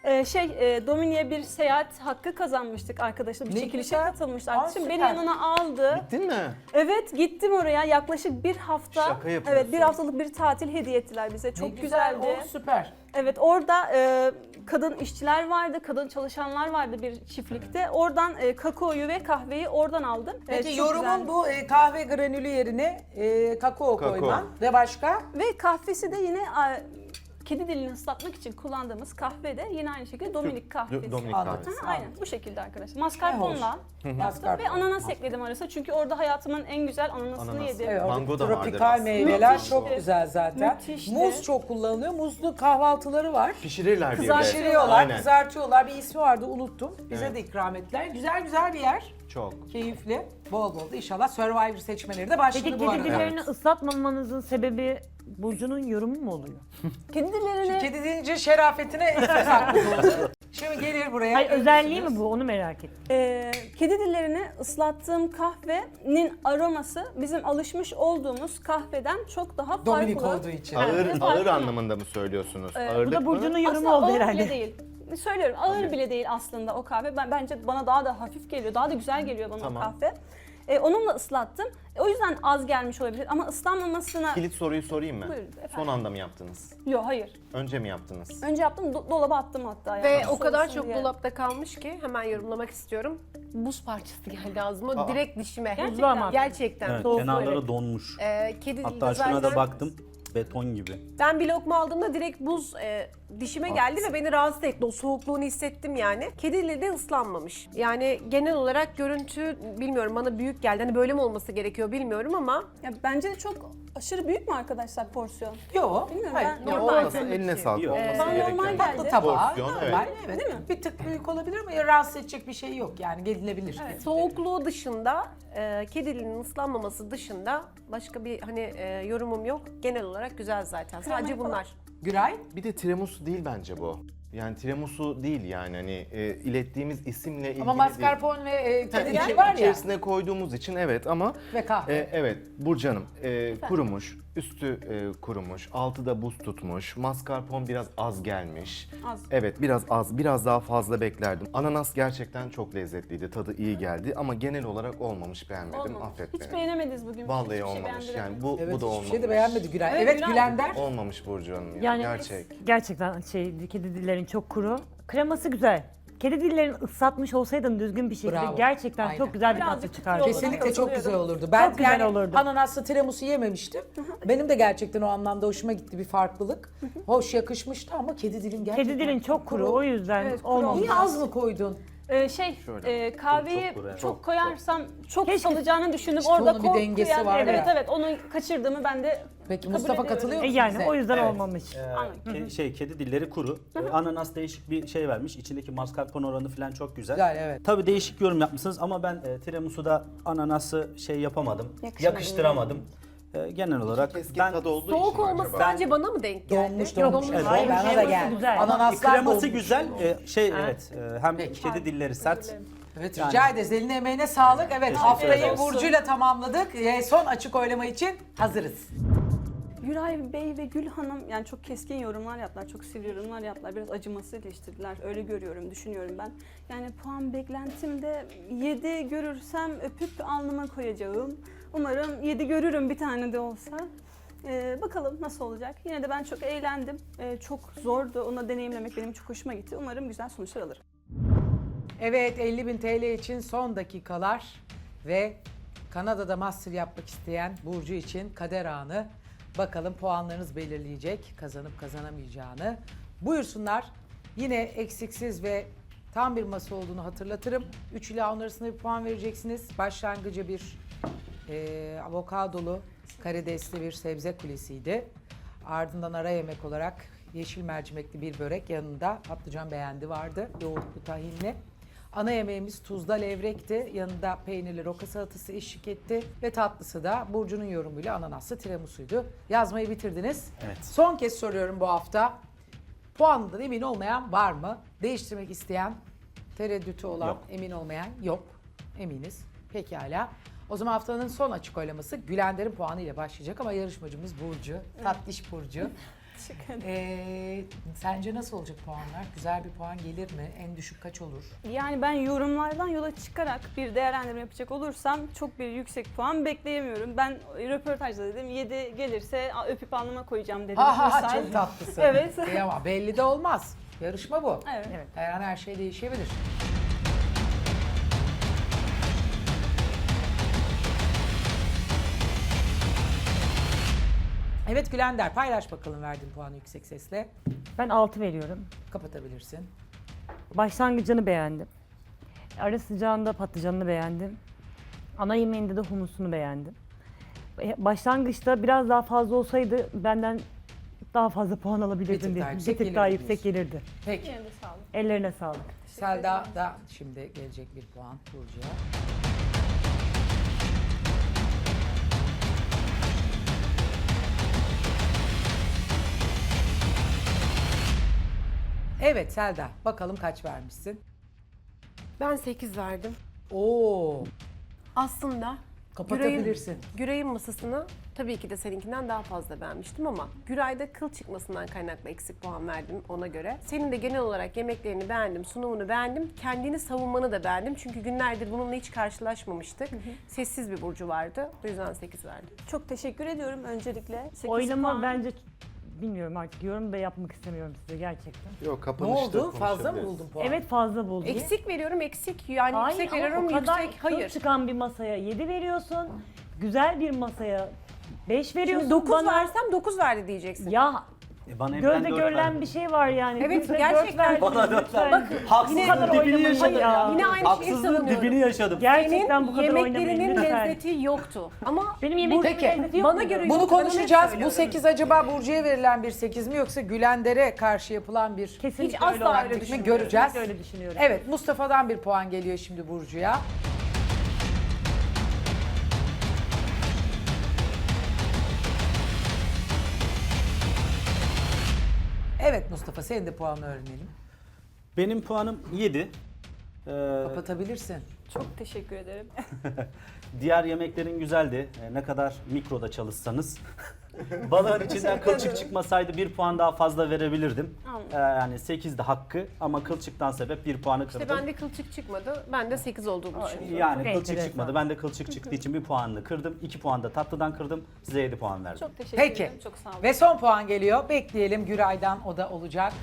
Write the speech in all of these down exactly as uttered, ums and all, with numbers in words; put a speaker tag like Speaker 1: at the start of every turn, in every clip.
Speaker 1: Ee, şey, e, Domini'ye bir seyahat hakkı kazanmıştık arkadaşlar. Bir
Speaker 2: Ne
Speaker 1: çekilişe
Speaker 2: güzel.
Speaker 1: katılmıştı
Speaker 2: Aa,
Speaker 1: arkadaşım. Beni
Speaker 2: süper.
Speaker 1: yanına aldı.
Speaker 3: Gittin mi?
Speaker 1: Evet, gittim oraya. Yaklaşık bir hafta.
Speaker 3: Şaka yapıyorsun.
Speaker 1: Evet, bir haftalık bir tatil hediye ettiler bize.
Speaker 2: Ne
Speaker 1: Çok
Speaker 2: güzel,
Speaker 1: güzeldi.
Speaker 2: o süper.
Speaker 1: Evet, orada e, kadın işçiler vardı, kadın çalışanlar vardı bir çiftlikte. Oradan e, kakaoyu ve kahveyi oradan aldım.
Speaker 2: Peki
Speaker 1: Evet, çok
Speaker 2: yorumun
Speaker 1: güzeldi.
Speaker 2: bu e, kahve granülü yerine e, kakao,
Speaker 3: Kakao.
Speaker 2: koyman ve başka?
Speaker 1: Ve kahvesi de yine e, kedi dilini ıslatmak için kullandığımız kahve de yine aynı şekilde Dominik kahvesi.
Speaker 3: Dominik
Speaker 2: Anladım.
Speaker 3: kahvesi.
Speaker 1: Ha, aynen bu şekilde arkadaşlar. Mascarpone'la yaptım
Speaker 2: Mascarpone.
Speaker 1: ve ananas ekledim arasına. Çünkü orada hayatımın en güzel ananasını
Speaker 3: Ananas.
Speaker 1: yedim.
Speaker 2: Evet,
Speaker 3: Mango da vardır
Speaker 2: tropikal
Speaker 3: aslında.
Speaker 2: meyveler
Speaker 1: Müthişti.
Speaker 2: çok güzel zaten.
Speaker 1: Müthişti.
Speaker 2: Muz çok kullanılıyor. Muzlu kahvaltıları var.
Speaker 3: Pişirirler bir de.
Speaker 1: Kızartıyorlar.
Speaker 2: Pişiriyorlar,
Speaker 3: Aynen.
Speaker 2: kızartıyorlar. Bir ismi vardı, unuttum. Bize
Speaker 3: Evet.
Speaker 2: de ikram ettiler. Güzel güzel bir yer.
Speaker 3: Çok.
Speaker 2: Keyifli. Bol bol da inşallah Survivor seçmeleri de başladı
Speaker 4: Peki
Speaker 2: bu arada.
Speaker 4: kedi dillerini ıslatmamanızın sebebi Burcu'nun yorumu mu oluyor?
Speaker 1: Kedi dillerini
Speaker 2: Kedi deyince şerafetine söz hakkı doğdu. Şimdi gelir buraya.
Speaker 4: Hayır özelliği mi bu? Onu merak ettim.
Speaker 1: Ee, kedi dillerini ıslattığım kahvenin aroması bizim alışmış olduğumuz kahveden çok daha farklı.
Speaker 2: Dominik olduğu için.
Speaker 3: Ağır,
Speaker 1: Evet,
Speaker 3: ağır
Speaker 1: farklı.
Speaker 3: anlamında mı söylüyorsunuz?
Speaker 1: Evet, bu da
Speaker 3: Ağırlık
Speaker 4: Bu da
Speaker 3: mı?
Speaker 4: Burcu'nun yorumu
Speaker 1: Aslında
Speaker 4: oldu
Speaker 1: ağır
Speaker 4: herhalde.
Speaker 1: bile değil. Söylüyorum ağır bile değil aslında o kahve. Ben bence bana daha da hafif geliyor. Daha da güzel geliyor bana
Speaker 3: Tamam.
Speaker 1: o kahve. Ee, onunla ıslattım. E, o yüzden az gelmiş olabilir ama ıslanmamasına...
Speaker 3: Kilit soruyu sorayım mı?
Speaker 1: Buyurun efendim.
Speaker 3: Son anda mı yaptınız?
Speaker 1: Yok hayır.
Speaker 3: Önce mi yaptınız?
Speaker 1: Önce yaptım do- dolaba attım hatta. Yani.
Speaker 5: Ve o kadar
Speaker 1: Soğusun
Speaker 5: çok
Speaker 1: diye.
Speaker 5: dolapta kalmış ki hemen yorumlamak istiyorum. Buz parçası geldi ağzıma
Speaker 3: Aa.
Speaker 5: direkt dişime.
Speaker 4: Buzlu ama.
Speaker 5: Gerçekten.
Speaker 6: Evet,
Speaker 5: Soğuk
Speaker 6: kenarları
Speaker 5: böyle.
Speaker 6: donmuş.
Speaker 5: Ee, kedi
Speaker 6: Hatta
Speaker 5: dilinde
Speaker 6: şuna da
Speaker 5: zaten-
Speaker 6: baktım, beton gibi.
Speaker 5: Ben bir lokma aldığımda direkt buz e, dişime geldi ve beni rahatsız etti. O soğukluğunu hissettim yani. Kedi dili de ıslanmamış. Yani genel olarak görüntü bilmiyorum bana büyük geldi. Hani böyle mi olması gerekiyor bilmiyorum ama
Speaker 1: Ya, bence de çok aşırı büyük mü arkadaşlar porsiyon?
Speaker 2: Yok.
Speaker 1: Bilmiyorum,
Speaker 2: Hayır.
Speaker 1: ben-
Speaker 3: Ya
Speaker 5: Normal
Speaker 3: olmasa
Speaker 5: tabii
Speaker 3: eline
Speaker 5: ki.
Speaker 3: sağlık
Speaker 6: Yok.
Speaker 3: olması
Speaker 1: Bana
Speaker 3: gereken.
Speaker 1: normal
Speaker 2: Tatlı
Speaker 1: geldi.
Speaker 2: tabağı.
Speaker 3: Porsiyon,
Speaker 2: normal,
Speaker 3: evet.
Speaker 2: evet.
Speaker 1: Değil mi?
Speaker 2: Bir tık büyük olabilir ama ya rahatsız edecek bir şey yok yani gelinebilir.
Speaker 5: soğukluğu dışında e, kedi dilinin ıslanmaması dışında başka bir hani e, yorumum yok. Genel olarak güzel zaten. Sadece
Speaker 1: falan.
Speaker 5: bunlar.
Speaker 2: Güray?
Speaker 3: Bir de tiramisu değil bence bu. Yani tiramisu değil yani hani e, ilettiğimiz isimle ilgili
Speaker 2: Ama mascarpone ve e, kedi
Speaker 3: değil.
Speaker 2: dili
Speaker 3: İçi-
Speaker 2: var ya.
Speaker 3: İçerisine koyduğumuz için evet ama
Speaker 2: Ve kahve.
Speaker 3: e, evet Burcu Hanım e, kurumuş, üstü e, kurumuş, altı da buz tutmuş, mascarpone biraz az gelmiş.
Speaker 1: Az.
Speaker 3: Evet biraz az, biraz daha fazla beklerdim. Ananas gerçekten çok lezzetliydi, tadı iyi geldi ama genel olarak olmamış, beğenmedim,
Speaker 1: Olmamış.
Speaker 3: affet
Speaker 1: Hiç
Speaker 3: beni.
Speaker 1: beğenemediniz bugün.
Speaker 3: Vallahi
Speaker 1: Hiçbir şey
Speaker 3: olmamış
Speaker 1: beğendiremedim.
Speaker 3: yani bu,
Speaker 2: Evet
Speaker 3: bu da
Speaker 2: hiçbir
Speaker 3: olmamış.
Speaker 2: şey de beğenmedi Güray.
Speaker 1: Evet,
Speaker 2: Evet,
Speaker 1: Güray.
Speaker 2: Gülender.
Speaker 3: Olmamış Burcu Hanım ya,
Speaker 4: Yani
Speaker 3: gerçek.
Speaker 4: gerçekten şey kedi dillerin çok kuru. Kreması güzel. Kedi dillerini ıslatmış olsaydın düzgün bir şekilde
Speaker 2: Bravo.
Speaker 4: gerçekten
Speaker 2: Aynen.
Speaker 4: çok güzel bir
Speaker 1: Birazcık
Speaker 4: tatlı
Speaker 1: çıtır
Speaker 4: çıkardı.
Speaker 1: oldu.
Speaker 2: Kesinlikle çok
Speaker 1: Katılıyorum.
Speaker 2: güzel olurdu. Ben
Speaker 4: Çok güzel
Speaker 2: yani
Speaker 4: olurdu.
Speaker 2: ananaslı tiramisu yememiştim. Benim de gerçekten o anlamda hoşuma gitti bir farklılık. Hoş yakışmıştı ama kedi dilin gerçekten
Speaker 4: Kedi dilin çok kuru o yüzden
Speaker 1: Evet, kuru
Speaker 4: olmamış.
Speaker 2: Niye az mı koydun?
Speaker 1: Ee, şey,
Speaker 3: Şöyle.
Speaker 1: e, kahveyi
Speaker 6: Çok- çok kuru,
Speaker 1: çok,
Speaker 6: evet.
Speaker 1: koyarsam çok
Speaker 4: Keşke-
Speaker 1: salacağını düşündüm.
Speaker 2: İşte
Speaker 1: Orada
Speaker 2: onun bir
Speaker 1: korkuyan-
Speaker 2: dengesi var
Speaker 1: Evet
Speaker 2: ya.
Speaker 1: evet onu kaçırdığımı ben de
Speaker 2: Peki
Speaker 1: kabul
Speaker 2: Mustafa
Speaker 1: ediyorum.
Speaker 2: katılıyor
Speaker 4: E
Speaker 2: musun
Speaker 4: yani
Speaker 2: bize?
Speaker 4: o yüzden
Speaker 2: Evet.
Speaker 4: olmamış.
Speaker 1: Anladım.
Speaker 6: Ke- şey, kedi dilleri kuru. Ee, Ananas değişik bir şey vermiş. İçindeki mascarpone oranı falan çok güzel.
Speaker 2: Güzel, evet.
Speaker 6: Tabii değişik yorum yapmışsınız ama ben e, tiramisu'da ananası şey yapamadım.
Speaker 1: Yakışmadı
Speaker 6: yakıştıramadım. E, genel olarak
Speaker 3: Keskin
Speaker 6: ben
Speaker 3: tadı olduğu
Speaker 5: Soğuk
Speaker 3: için mi
Speaker 5: olması
Speaker 3: acaba?
Speaker 5: sadece bana mı denk geldi?
Speaker 2: Donmuş
Speaker 4: Yok,
Speaker 2: donmuş.
Speaker 6: evet,
Speaker 2: Hayır,
Speaker 4: donmuş.
Speaker 2: bana da
Speaker 4: Kreması
Speaker 2: geldi.
Speaker 4: güzel.
Speaker 2: Ananaslar
Speaker 6: kreması
Speaker 2: donmuş.
Speaker 6: güzel. E, şey evet e, hem kedi dilleri sert.
Speaker 2: Evet rica ederiz. Eline emeğine sağlık. Evet haftayı
Speaker 1: olsun.
Speaker 2: Burcu'yla tamamladık. Ee, son açık oylama için hazırız.
Speaker 1: Güray Bey ve Gül Hanım yani çok keskin yorumlar yaptılar, çok sivri yorumlar yaptılar. Biraz acımasız eleştirdiler. Öyle görüyorum, düşünüyorum ben. Yani puan beklentimde yedi görürsem öpüp alnıma koyacağım. Umarım yedi görürüm bir tane de olsa. Ee, bakalım nasıl olacak. Yine de ben çok eğlendim. Ee, çok zordu. Onu deneyimlemek benim çok hoşuma gitti. Umarım güzel sonuçlar alırım.
Speaker 2: Evet elli bin T L için son dakikalar ve Kanada'da master yapmak isteyen Burcu için kader anı. Bakalım puanlarınız belirleyecek kazanıp kazanamayacağını. Buyursunlar. Yine eksiksiz ve tam bir masa olduğunu hatırlatırım. üç ila on arasında bir puan vereceksiniz. Başlangıcı bir e, avokadolu karidesli bir sebze kulesiydi. Ardından ara yemek olarak yeşil mercimekli bir börek, yanında patlıcan beğendi vardı. Yoğurtlu tahinli. Ana yemeğimiz tuzda levrekti. Yanında peynirli roka salatası eşlik etti. Ve tatlısı da Burcu'nun yorumuyla ananaslı tiramisuydu. Yazmayı bitirdiniz.
Speaker 6: Evet.
Speaker 2: Son kez soruyorum bu hafta. Puanından emin olmayan var mı? Değiştirmek isteyen, tereddütü olan,
Speaker 6: Yok.
Speaker 2: emin olmayan yok. Eminiz. Pekala. O zaman haftanın son açık oylaması Gülender'in puanı ile başlayacak ama yarışmacımız Burcu, tatlış Burcu.
Speaker 1: Teşekkür ederim.
Speaker 2: Ee, sence nasıl olacak puanlar? Güzel bir puan gelir mi? En düşük kaç olur?
Speaker 1: Yani ben yorumlardan yola çıkarak bir değerlendirme yapacak olursam çok bir yüksek puan bekleyemiyorum. Ben röportajda dedim yedi gelirse "Aa, öpüp alnıma koyacağım dedim.
Speaker 2: Ha ha ha,
Speaker 1: Misal.
Speaker 2: çok tatlısın.
Speaker 1: Evet.
Speaker 2: E ama belli de olmaz. Yarışma bu.
Speaker 1: Evet.
Speaker 4: Evet.
Speaker 2: Her an her şey değişebilir. Evet Gülender, paylaş bakalım verdiğin puanı yüksek sesle.
Speaker 4: Ben altı veriyorum.
Speaker 2: Kapatabilirsin.
Speaker 4: Başlangıcını beğendim. Ara sıcağında patlıcanını beğendim. Ana yemeğinde de humusunu beğendim. E, Başlangıçta biraz daha fazla olsaydı benden daha fazla puan
Speaker 2: Bir
Speaker 4: alabilirdin
Speaker 2: tık
Speaker 4: diye.
Speaker 2: daha
Speaker 4: Bir
Speaker 2: yüksek
Speaker 4: tık daha
Speaker 2: gelirdi
Speaker 4: yüksek gelirdi.
Speaker 2: Peki.
Speaker 1: Yine de sağ olun.
Speaker 4: Ellerine sağlık.
Speaker 2: Selda da şimdi gelecek bir puan Burcu'ya. Evet Selda, bakalım kaç vermişsin?
Speaker 5: Ben sekiz verdim.
Speaker 2: Oo,
Speaker 5: Aslında
Speaker 2: kapatabilirsin.
Speaker 5: Güray'ın, Güray'ın masasını tabii ki de seninkinden daha fazla beğenmiştim ama Güray'da kıl çıkmasından kaynaklı eksik puan verdim ona göre. Senin de genel olarak yemeklerini beğendim, sunumunu beğendim. Kendini savunmanı da beğendim. Çünkü günlerdir bununla hiç karşılaşmamıştık. Sessiz bir Burcu vardı. O yüzden sekiz verdim.
Speaker 1: Çok teşekkür ediyorum öncelikle. sekiz
Speaker 4: Oylama
Speaker 1: puan.
Speaker 4: bence bilmiyorum artık yorum da yapmak istemiyorum size gerçekten.
Speaker 3: Yok
Speaker 2: Ne
Speaker 3: kapanışta
Speaker 2: oldu? Fazla mı
Speaker 3: konuşabiliriz.
Speaker 2: buldun puan?
Speaker 4: Evet fazla buldum.
Speaker 5: Eksik veriyorum, eksik. Yani
Speaker 4: Hayır
Speaker 5: yüksek
Speaker 4: ama
Speaker 5: veriyorum,
Speaker 4: o kadar
Speaker 5: yüksek.
Speaker 4: kıl
Speaker 5: Hayır.
Speaker 4: çıkan bir masaya yedi veriyorsun. Güzel bir masaya beş veriyorsun
Speaker 5: Şimdi dokuz
Speaker 4: bana.
Speaker 5: versem dokuz verdi diyeceksin.
Speaker 4: Ya
Speaker 6: E bana hep
Speaker 4: gözle
Speaker 6: ben dört
Speaker 4: görülen
Speaker 6: verdim.
Speaker 4: bir şey var yani.
Speaker 5: Evet,
Speaker 4: Bize
Speaker 5: gerçekten.
Speaker 4: dört
Speaker 6: Bana
Speaker 4: verdiniz
Speaker 6: dört
Speaker 4: lütfen.
Speaker 6: verdim. Haksızlığın
Speaker 4: kadar
Speaker 6: dibini
Speaker 4: oynamayın
Speaker 6: yaşadım.
Speaker 4: ya.
Speaker 5: Yine aynı şeyi
Speaker 6: Haksızlığın
Speaker 5: savunuyorum.
Speaker 6: dibini yaşadım.
Speaker 4: Gerçekten bu
Speaker 5: Senin
Speaker 4: kadar oynamayın
Speaker 5: yemeklerinin
Speaker 4: lütfen.
Speaker 5: lezzeti yoktu. Ama
Speaker 4: Benim yemeklerimin
Speaker 2: Peki.
Speaker 4: lezzeti yok
Speaker 5: Bana
Speaker 4: muydu?
Speaker 5: göre-
Speaker 2: Bunu
Speaker 5: Yok, ben onu
Speaker 2: konuşacağız. Bu
Speaker 5: söylüyorum.
Speaker 2: sekiz acaba Burcu'ya verilen bir sekiz mi yoksa Gülender'e karşı yapılan bir
Speaker 4: Kesinlikle
Speaker 5: Hiç asla
Speaker 4: öyle olarak
Speaker 5: öyle
Speaker 2: taktik mi
Speaker 5: düşünmüyorum.
Speaker 2: göreceğiz.
Speaker 4: Kesinlikle öyle düşünüyorum.
Speaker 2: Evet, Mustafa'dan bir puan geliyor şimdi Burcu'ya. Evet Mustafa, senin de puanını öğrenelim.
Speaker 6: Benim puanım yedi. Ee,
Speaker 2: Kapatabilirsin.
Speaker 1: Çok teşekkür ederim.
Speaker 6: diğer yemeklerin güzeldi. Ee, ne kadar mikroda çalışsanız. Balığın içinden kılçık çıkmasaydı bir puan daha fazla verebilirdim.
Speaker 1: Anladım.
Speaker 6: Ee, yani sekiz de hakkı ama kılçıktan sebep bir puanı kırdım.
Speaker 5: işte bende kılçık çıkmadı. Ben de sekiz olduğunu düşünüyorum.
Speaker 6: Yani
Speaker 4: Çok
Speaker 6: kılçık
Speaker 4: enteresan.
Speaker 6: çıkmadı. Ben de kılçık çıktığı için bir puanını kırdım. iki puan da tatlıdan kırdım. Size yedi puan verdim.
Speaker 1: Çok teşekkür
Speaker 2: Peki.
Speaker 1: ederim. Çok sağ olun.
Speaker 2: Ve son puan geliyor. Bekleyelim, Güray'dan o da olacak.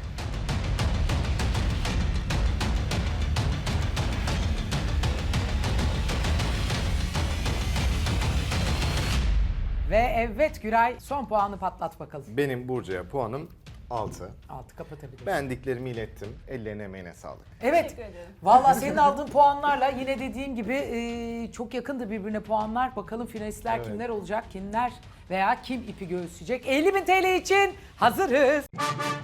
Speaker 2: Ve evet Güray, son puanı patlat bakalım.
Speaker 3: Benim Burcu'ya puanım altı.
Speaker 2: Altı kapatabiliriz.
Speaker 3: Beğendiklerimi ilettim. Ellerine emeğine sağlık.
Speaker 2: Evet.
Speaker 1: Teşekkür ederim.
Speaker 2: Valla senin aldığın puanlarla yine dediğim gibi e, çok yakındı birbirine puanlar. Bakalım finalistler
Speaker 3: Evet.
Speaker 2: kimler olacak, kimler veya kim ipi göğüsleyecek. elli bin T L için hazırız.